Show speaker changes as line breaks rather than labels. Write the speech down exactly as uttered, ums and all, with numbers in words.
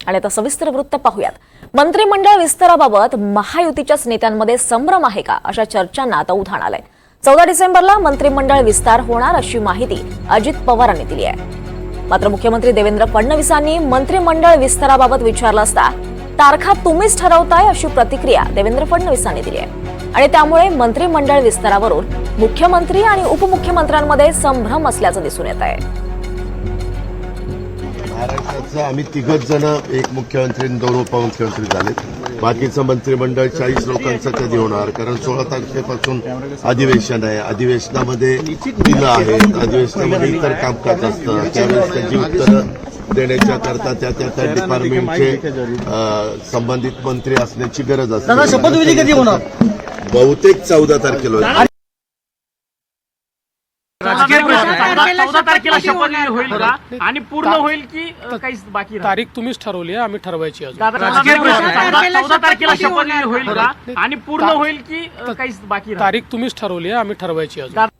आणि आता सविस्तर वृत्त पाहूयात. मंत्रिमंडळ विस्ताराबाबत महायुतीच्याच नेत्यांमध्ये संभ्रम आहे का, अशा चर्चांना आता उधाण आलंय. चौदा डिसेंबरला मंत्रिमंडळ विस्तार होणार अशी माहिती अजित पवारांनी दिली आहे. मात्र मुख्यमंत्री देवेंद्र फडणवीसांनी मंत्रिमंडळ विस्ताराबाबत विचारलं असता तारखा तुम्हीच ठरवताय अशी प्रतिक्रिया देवेंद्र फडणवीसांनी दिली आहे. आणि त्यामुळे मंत्रिमंडळ विस्तारावरून मुख्यमंत्री आणि उपमुख्यमंत्र्यांमध्ये संभ्रम असल्याचं दिसून येत आहे.
महाराष्ट्राचं आम्ही तिघच जण एक मुख्यमंत्री दोन उपमुख्यमंत्री झाले. बाकीचं मंत्रिमंडळ चाळीस लोकांचं कधी होणार, कारण सोळा तारखेपासून अधिवेशन आहे. अधिवेशनामध्ये दिलं आहेत, अधिवेशनामध्ये इतर कामकाज असतं, त्यावेळेस त्याची उत्तरं देण्याच्या करता त्या त्या त्या डिपार्टमेंटचे संबंधित मंत्री असण्याची गरज असते.
शपथविधी कधी होणार?
बहुतेक चौदा तारखेला.
चौदा तारखेला शपथविधी होईल का आणि पूर्ण होईल की काही बाकी?
तारीख तुम्हीच ठरवली आहे, आम्ही ठरवायची अजून.
चौदा तारखेला शपथविधी होईल का आणि पूर्ण होईल की काही बाकी?
तारीख तुम्हीच ठरवली आहे, आम्ही ठरवायची अजून.